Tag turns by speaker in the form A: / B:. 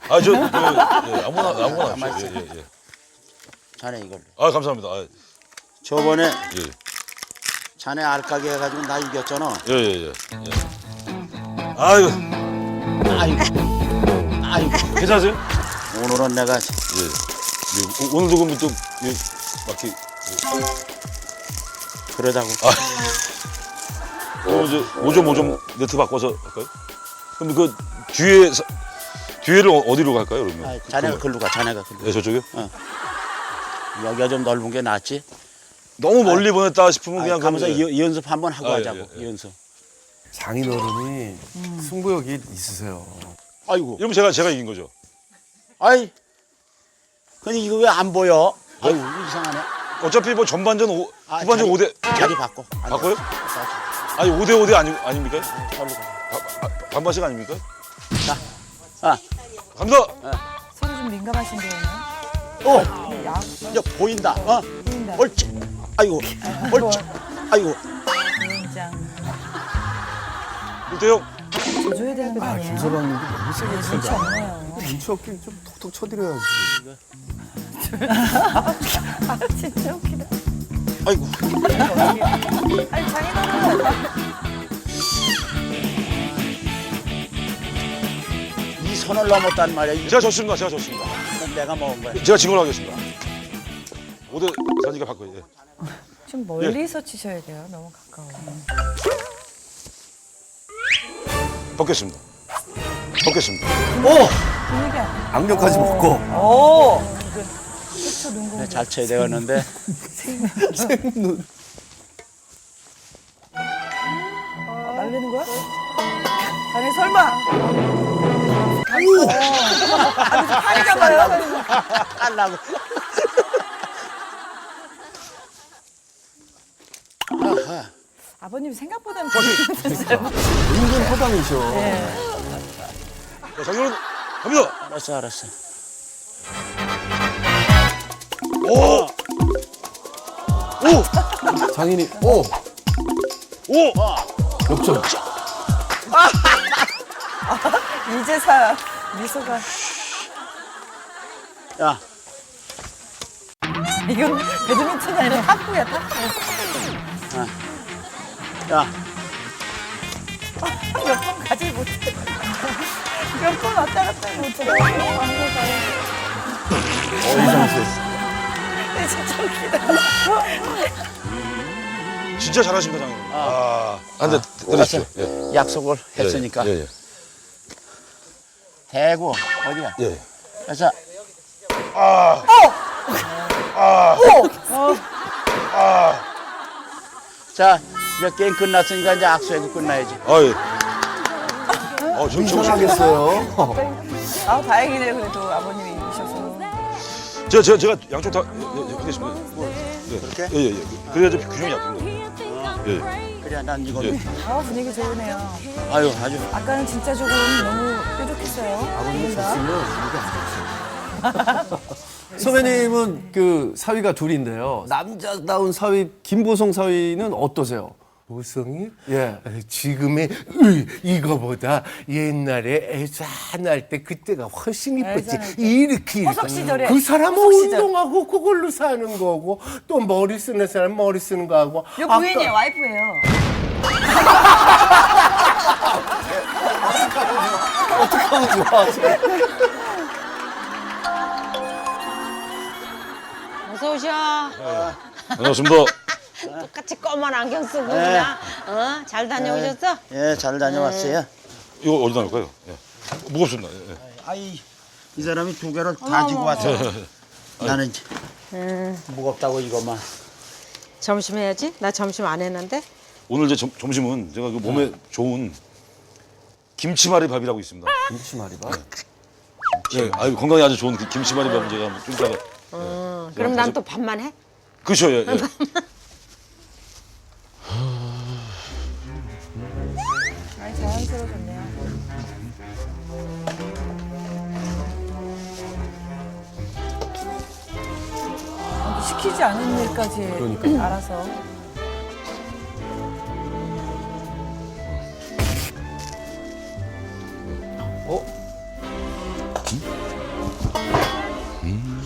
A: 아무나 하십시오. 예.
B: 자네 이걸로.
A: 아, 감사합니다.
B: 저번에
A: 예.
B: 자네 알까기 해가지고 나 이겼잖아.
A: 예. 아이고,
B: 아이고.
A: 괜찮으세요?
B: 오늘은 내가
A: 예. 오늘도 그럼 또 막히
B: 그러자고.
A: 그럼 이제 5점 네트 바꿔서 할까요? 그럼 그 뒤에를 어디로 갈까요, 그러면?
B: 자네가 글로 가. 자네가 글로.
A: 네, 저쪽이요?
B: 여기가 좀 넓은 게 낫지.
A: 너무 멀리 보냈다 싶으면 그냥
B: 가면서
A: 그러면
B: 이 연습 한번 하고 하자고.
A: 예.
B: 연습.
C: 장인어른이 승부욕이 있으세요.
B: 아이고.
A: 이러면 제가 이긴 거죠.
B: 아이. 근데 이거 왜 안 보여? 아이고 이상하네.
A: 어차피 뭐 전반전 후반전 5대
B: 자리 바꿔. 안
A: 바꿔요?
B: 돼.
A: 아니 5대 아닙니까?
B: 저리로 가.
A: 반반씩 아닙니까?
B: 아.
A: 갑니다.
D: 서로 좀 민감하신데요.
B: 오. 이제 보인다.
D: 보인다.
B: 옳지. 아이고. 옳지. 아이고.
D: 위원장.
A: 1대0.
D: 져줘야 되는 거 아니에요?
C: 김서방님도 너무 세게
D: 눈치
C: 친다.
D: 없네요.
C: 눈치 없게 좀 톡톡 쳐드려야지.
D: 진짜 웃기다.
B: 아이고.
D: 아니 장인어른.
B: 이 선을 넘었단 말이야. 이거
A: 제가 졌습니다.
B: 내가 먹은 거야.
A: 제가 진 걸로 하겠습니다. 5대 4니까 바꿔요. 예.
D: 좀 멀리서 치셔야 돼요. 너무 가까워.
A: 벗겠습니다.
C: 오!
D: 분위기 안
C: 악력까지 먹고.
D: 오! 그쵸, 눈 공부.
B: 잘 쳐야 되었는데.
C: 생눈.
D: 날리는 거야? 자네 설마? 아니, 팔이 잡아요.
B: 깔라고. 아하.
D: 아버님 생각보다는
C: 은근 허당이셔.
A: 자, 장인어른 갑니다.
B: 알았어.
A: 오!
C: 장인이 오! 역전.
D: 이제서야 미소가.
B: 야,
D: 이건 배드민턴이 아니라 탁구야, 탁구.
B: 야.
D: 몇 번 가지 못해. 몇 번 왔다 갔다 못해.
C: 이상세.
D: 진짜 웃기다.
A: 진짜 잘하십니다, 장인어른. 한 대 때리십시오. 예.
B: 약속을 했으니까.
A: 예.
B: 대구 어디야?
A: 예.
B: 그래서 자, 이제 게임 끝났으니까 이제 악수하고 끝나야지.
A: 예. 좀
C: 이상하겠어요.
D: 아, 다행이네요. 그래도 아버님이 이기셔서.
A: 제가 양쪽 다 하겠습니다.
B: 그렇게?
A: 예. 그래야지 균형이 잡힙니다. 예.
B: 그래, 난 이거.
A: 예.
D: 아, 분위기 좋으네요.
B: 아유, 아주.
D: 아까는 진짜 조금 너무 뾰족했어요.
C: 아버님이
D: 둘 다.
C: 졌으면 이게 안 좋죠. 선배님은 그 사위가 둘인데요. 남자다운 사위 김보성 사위는 어떠세요?
E: 보성이
C: 예.
E: 지금의 이거보다 옛날에 애산 할때 그때가 훨씬 이뻤지.
D: 애산 할 때.
E: 이렇게
D: 허석 시절에.
E: 그 사람은
D: 허석 시절.
E: 운동하고 그걸로 사는 거고 또 머리 쓰는 사람 머리 쓰는 거 하고.
D: 요 부인이에요, 와이프예요.
C: 어떡하면 좋아.
F: 어서 오셔.
A: 반갑습니다.
F: 똑같이 검은 안경 쓰고
B: 네.
F: 그냥 잘 다녀오셨어?
B: 예, 잘 다녀왔어요.
A: 이거 어디다 놓을까요? 예. 무겁습니다. 예.
B: 아이, 이 사람이 두 개를 다 지고 왔어. 나는 이제 무겁다고 이것만.
F: 점심 해야지. 나 점심 안 했는데.
A: 오늘 이제 점심은 제가 그 몸에 좋은 김치말이 밥이라고 있습니다.
C: 김치말이밥.
A: 예, 건강에 아주 좋은 김치말이 밥은 제가 좀 이따가.
F: 그럼 난 또 밥만 해?
A: 그렇죠, 예.
D: 아니, 자연스러워졌네요. 시키지 않은 일까지 알아서.
A: 음.